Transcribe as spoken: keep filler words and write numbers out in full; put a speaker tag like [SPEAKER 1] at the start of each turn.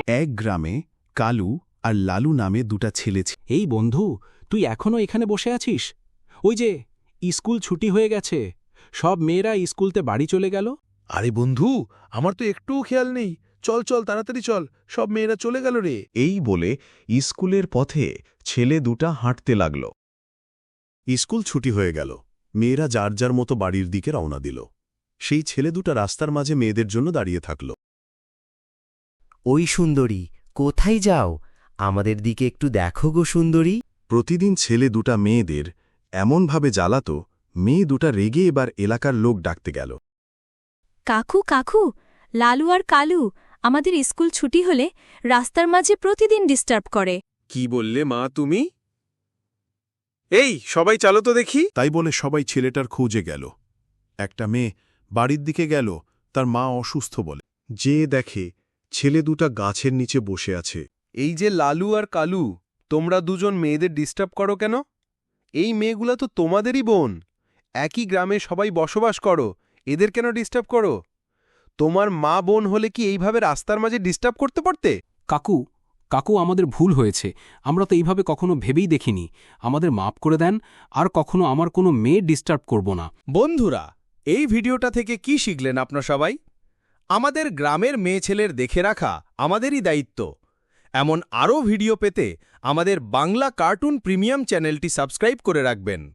[SPEAKER 1] এক গ্রামে কালু আর লালু নামে দুটা ছেলে ছিল।
[SPEAKER 2] এই বন্ধু, তুই এখনো এখানে বসে আছিস? ওই যে স্কুল ছুটি হয়ে গেছে, সব মেয়েরা স্কুলতে বাড়ি চলে গেল।
[SPEAKER 3] আরে বন্ধু, আমার তো একটুও খেয়াল নেই। চল চল তাড়াতাড়ি চল, সব মেয়েরা চলে গেল রে।
[SPEAKER 4] এই বলে স্কুলের পথে ছেলে দুটা হাঁটতে লাগল।
[SPEAKER 1] স্কুল ছুটি হয়ে গেল, মেয়েরা যার যার মতো বাড়ির দিকে রওনা দিল। সেই ছেলে দুটা রাস্তার মাঝে মেয়েদের জন্য দাঁড়িয়ে থাকল।
[SPEAKER 5] ওই সুন্দরী, কোথায় যাও? আমাদের দিকে একটু দেখো গো সুন্দরী।
[SPEAKER 1] প্রতিদিন ছেলে দুটা মেয়েদের এমনভাবে জ্বালাত, মেয়ে দুটা রেগে এবার এলাকার লোক ডাকতে গেল।
[SPEAKER 6] কাকু কাকু, লালু আর কালু আমাদের স্কুল ছুটি হলে রাস্তার মাঝে প্রতিদিন ডিস্টার্ব করে।
[SPEAKER 3] কি বললে মা তুমি? এই সবাই চালো তো দেখি।
[SPEAKER 1] তাই বলে সবাই ছেলেটার খোঁজে গেল। একটা মেয়ে বাড়ির দিকে গেল, তার মা অসুস্থ বলে। যে দেখে ছেলে দুটা গাছের নিচে বসে আছে।
[SPEAKER 3] এই যে লালু আর কালু, তোমরা দুজন মেয়েদের ডিস্টার্ব করো কেন? এই মেয়েগুলা তো তোমাদেরই বোন, একই গ্রামে সবাই বসবাস করো, এদের কেন ডিস্টার্ব করো? তোমার মা বোন হলে কি এইভাবে রাস্তার মাঝে ডিস্টার্ব করতে পারতে?
[SPEAKER 2] কাকু কাকু আমাদের ভুল হয়েছে, আমরা তো এইভাবে কখনো ভেবেই দেখিনি। আমাদের মাপ করে দেন, আর কখনো আমার কোনো মেয়ে ডিস্টার্ব করব না।
[SPEAKER 7] বন্ধুরা, এই ভিডিওটা থেকে কি শিখলেন আপনারা সবাই? আমাদের গ্রামের মেয়ে ছেলের দেখে রাখা আমাদেরই দায়িত্ব। এমন আরও ভিডিও পেতে আমাদের বাংলা কার্টুন প্রিমিয়াম চ্যানেলটি সাবস্ক্রাইব করে রাখবেন।